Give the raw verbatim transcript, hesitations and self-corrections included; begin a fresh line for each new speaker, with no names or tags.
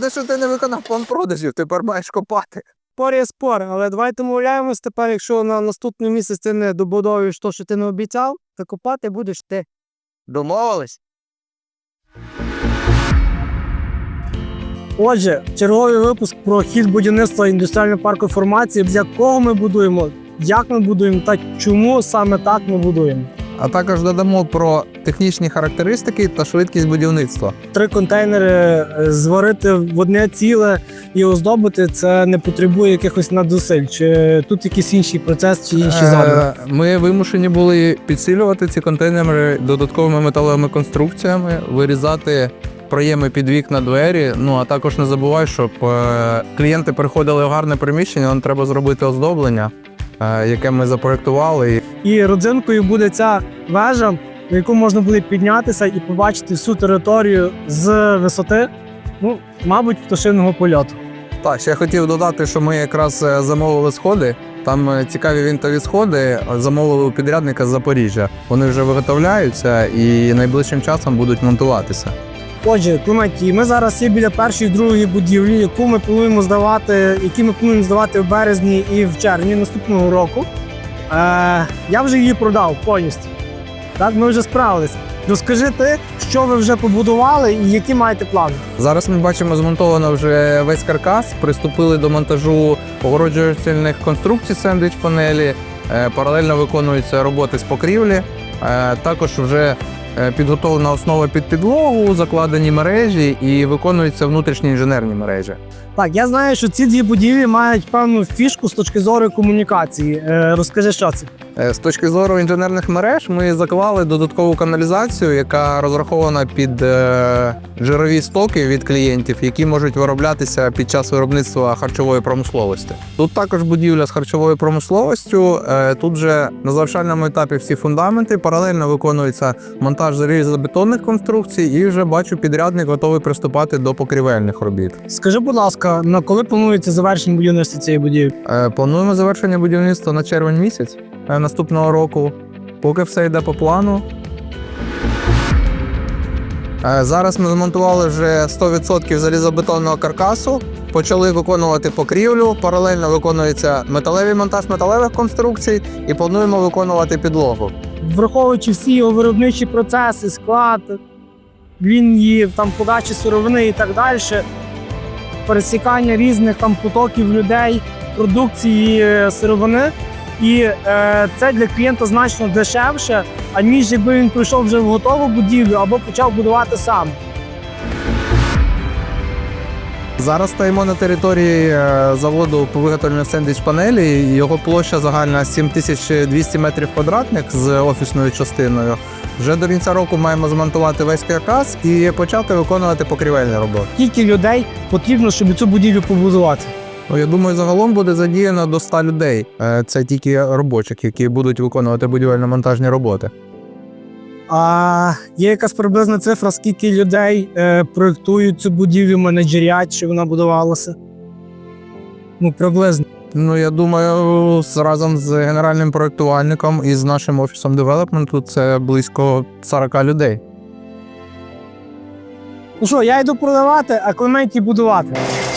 те, що ти не виконав план продажів, тепер маєш копати.
Спор є спор, але давайте домовляємось тепер, якщо на наступний місяць ти не добудовуєш те, що ти не обіцяв, то копати будеш ти.
Домовились?
Отже, черговий випуск про хід будівництва індустріального парку формації, з якого ми будуємо, як ми будуємо та чому саме так ми будуємо.
А також додамо про технічні характеристики та швидкість будівництва.
Три контейнери зварити в одне ціле і оздобити – це не потребує якихось надзусиль. Чи тут якийсь інший процес, чи інші задуми?
Ми вимушені були підсилювати ці контейнери додатковими металевими конструкціями, вирізати проєми під вікна, двері. Ну, а також не забувай, щоб клієнти приходили в гарне приміщення, нам треба зробити оздоблення, яке ми запроектували.
І родзинкою буде ця вежа, на яку можна буде піднятися і побачити всю територію з висоти, ну, мабуть, пташиного польоту.
Так, ще я хотів додати, що ми якраз замовили сходи. Там цікаві вінтові сходи замовили у підрядника з Запоріжжя. Вони вже виготовляються і найближчим часом будуть монтуватися.
Отже, Клементі, ми зараз є біля першої і другої будівлі, яку ми плануємо здавати, які ми плануємо здавати в березні і в червні наступного року. Е, я вже її продав повністю. Так, ми вже справилися. Розкажи ти, що ви вже побудували і які маєте плани?
Зараз ми бачимо, змонтовано вже весь каркас, приступили до монтажу огороджувальних конструкцій сендвіч-панелі, е, паралельно виконуються роботи з покрівлі, е, також вже підготовлена основа під підлогу, закладені мережі і виконуються внутрішні інженерні мережі.
Так, я знаю, що ці дві будівлі мають певну фішку з точки зору комунікації. Е, розкажи, що це?
З точки зору інженерних мереж ми заклали додаткову каналізацію, яка розрахована під е, жирові стоки від клієнтів, які можуть вироблятися під час виробництва харчової промисловості. Тут також будівля з харчовою промисловістю. Е, тут вже на завершальному етапі всі фундаменти, паралельно виконується монтаж залізобетонних конструкцій і вже бачу, підрядник готовий приступати до покрівельних робіт.
Скажи, будь ласка, на коли планується завершення будівництва цієї будівлі?
Е, плануємо завершення будівництва на червень місяць наступного року, поки все йде по плану. Зараз ми змонтували вже сто відсотків залізобетонного каркасу, почали виконувати покрівлю, паралельно виконується металевий монтаж металевих конструкцій і плануємо виконувати підлогу.
Враховуючи всі його виробничі процеси, склад, лінії, там, подачі сировини і так далі, пересікання різних там потоків людей, продукції сировини, і е, це для клієнта значно дешевше, аніж якби він прийшов вже в готову будівлю або почав будувати сам.
Зараз стоїмо на території заводу по виготовленню сендвіч-панелі. Його площа загальна сім тисяч двісті метрів квадратних з офісною частиною. Вже до кінця року маємо змонтувати весь каркас і почати виконувати покрівельні роботи.
Скільки людей потрібно, щоб цю будівлю побудувати?
Ну, я думаю, загалом буде задіяно до ста людей. Це тільки робочих, які будуть виконувати будівельно-монтажні роботи.
А є якась приблизна цифра, скільки людей е, проєктують цю будівлю, менеджерять, щоб вона будувалася? Ну, приблизно.
Ну, я думаю, разом з генеральним проєктувальником і з нашим офісом девелопменту це близько сорока людей.
Ну що, я йду продавати, а Клементі будувати.